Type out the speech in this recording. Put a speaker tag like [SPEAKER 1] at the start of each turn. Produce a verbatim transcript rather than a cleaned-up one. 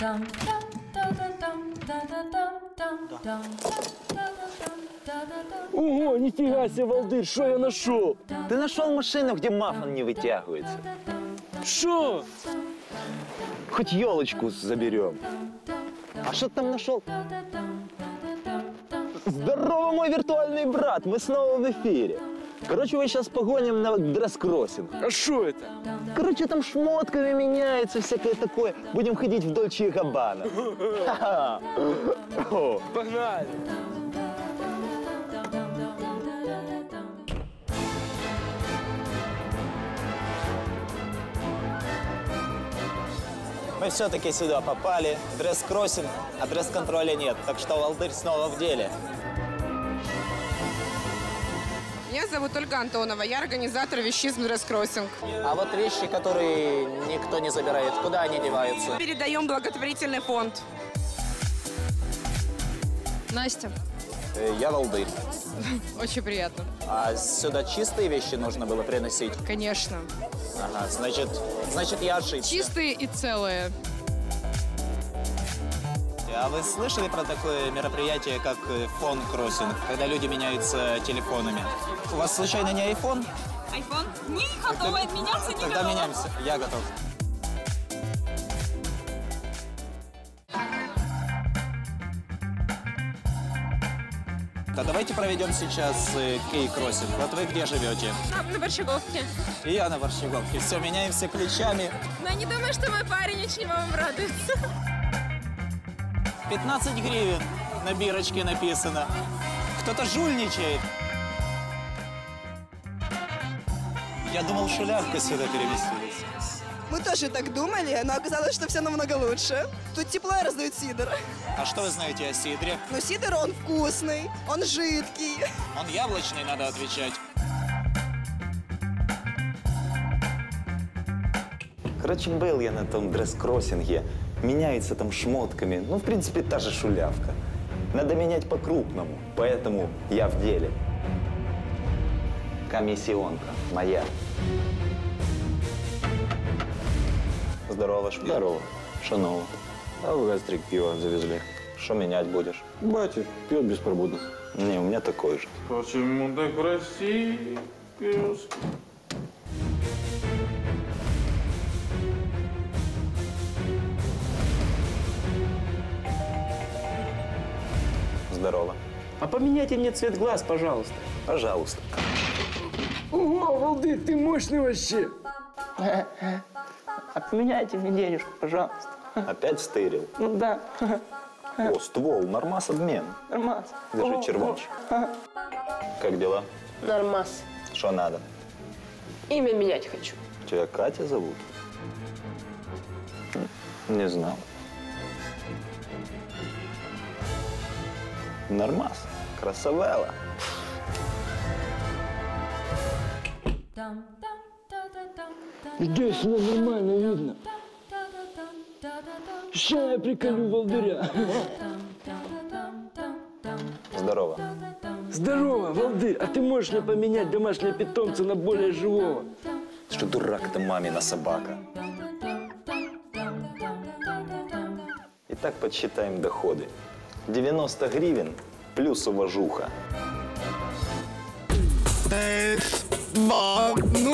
[SPEAKER 1] Ого, нифига себе, Валдырь, что я нашел?
[SPEAKER 2] Ты нашел машину, где мафон не вытягивается.
[SPEAKER 1] Что?
[SPEAKER 2] Хоть елочку заберем. А что ты там нашел? Здорово, мой виртуальный брат, мы снова в эфире. Короче, мы сейчас погоним на дресс-кроссинг.
[SPEAKER 1] А что это?
[SPEAKER 2] Короче, там шмотками меняется, всякое такое. Будем ходить в Дольче и Габбана.
[SPEAKER 1] Погнали!
[SPEAKER 3] Мы все-таки сюда попали. Дресс-кроссинг, а дресс-контроля нет. Так что Валдырь снова в деле.
[SPEAKER 4] Меня зовут Ольга Антонова. Я организатор вещизм дресс-кроссинг.
[SPEAKER 3] А вот вещи, которые никто не забирает, куда они деваются?
[SPEAKER 4] Передаем благотворительный фонд.
[SPEAKER 5] Настя.
[SPEAKER 3] Я Валдырь.
[SPEAKER 5] Очень приятно.
[SPEAKER 3] А сюда чистые вещи нужно было приносить?
[SPEAKER 5] Конечно.
[SPEAKER 3] Ага, значит, значит я ошибся.
[SPEAKER 5] Чистые и целые.
[SPEAKER 3] А вы слышали про такое мероприятие, как фон-кроссинг, когда люди меняются телефонами? У вас случайно не айфон?
[SPEAKER 6] Айфон? Не готова меняться, не
[SPEAKER 3] Тогда
[SPEAKER 6] готова.
[SPEAKER 3] меняемся. Я готов. Да давайте проведем сейчас э, кей-кроссинг. Вот вы где живете?
[SPEAKER 6] На, на Борщаговке.
[SPEAKER 3] И я на Борщаговке. Все, меняемся ключами.
[SPEAKER 6] Но я не думаю, что мой парень очень вам обрадуется.
[SPEAKER 3] пятнадцать гривен на бирочке написано. Кто-то жульничает. Я думал, шулявка сюда переместились.
[SPEAKER 7] Мы тоже так думали, но оказалось, что все намного лучше. Тут тепло и раздают сидр.
[SPEAKER 3] А что вы знаете о сидре?
[SPEAKER 7] Но сидр, он вкусный, он жидкий.
[SPEAKER 3] Он яблочный, надо отвечать.
[SPEAKER 2] Короче, был я на том дресс-кроссинге. Меняется там шмотками. Ну, в принципе, та же шулявка. Надо менять по-крупному, поэтому я в деле. Комиссионка моя. Здорово, шпион.
[SPEAKER 8] Здорово. Что нового? А в гастрик пиво завезли.
[SPEAKER 2] Что менять будешь?
[SPEAKER 8] Батя пьет беспробудно.
[SPEAKER 2] Не, у меня такой же.
[SPEAKER 9] Почему так красив, пес?
[SPEAKER 2] Здорово.
[SPEAKER 1] А поменяйте мне цвет глаз, пожалуйста.
[SPEAKER 2] Пожалуйста.
[SPEAKER 1] Ого, Валдырь, ты мощный вообще. А поменяйте мне денежку, пожалуйста.
[SPEAKER 2] Опять стырил?
[SPEAKER 1] Ну да.
[SPEAKER 2] О, ствол, нормас обмен.
[SPEAKER 1] Нормас.
[SPEAKER 2] Держи, червонч. Как дела?
[SPEAKER 5] Нормас.
[SPEAKER 2] Что надо?
[SPEAKER 5] Имя менять хочу.
[SPEAKER 2] Тебя Катя зовут? Не знал. Нормас. Красавела.
[SPEAKER 1] Здесь ну, нормально видно. Сейчас я приколю Валдыря.
[SPEAKER 2] Здорово.
[SPEAKER 1] Здорово, Валдырь. А ты можешь мне поменять домашнего питомца на более живого?
[SPEAKER 2] Ты что, дурак, это мамина собака. Итак, подсчитаем доходы. девяносто гривен плюс уважуха.
[SPEAKER 7] Ну,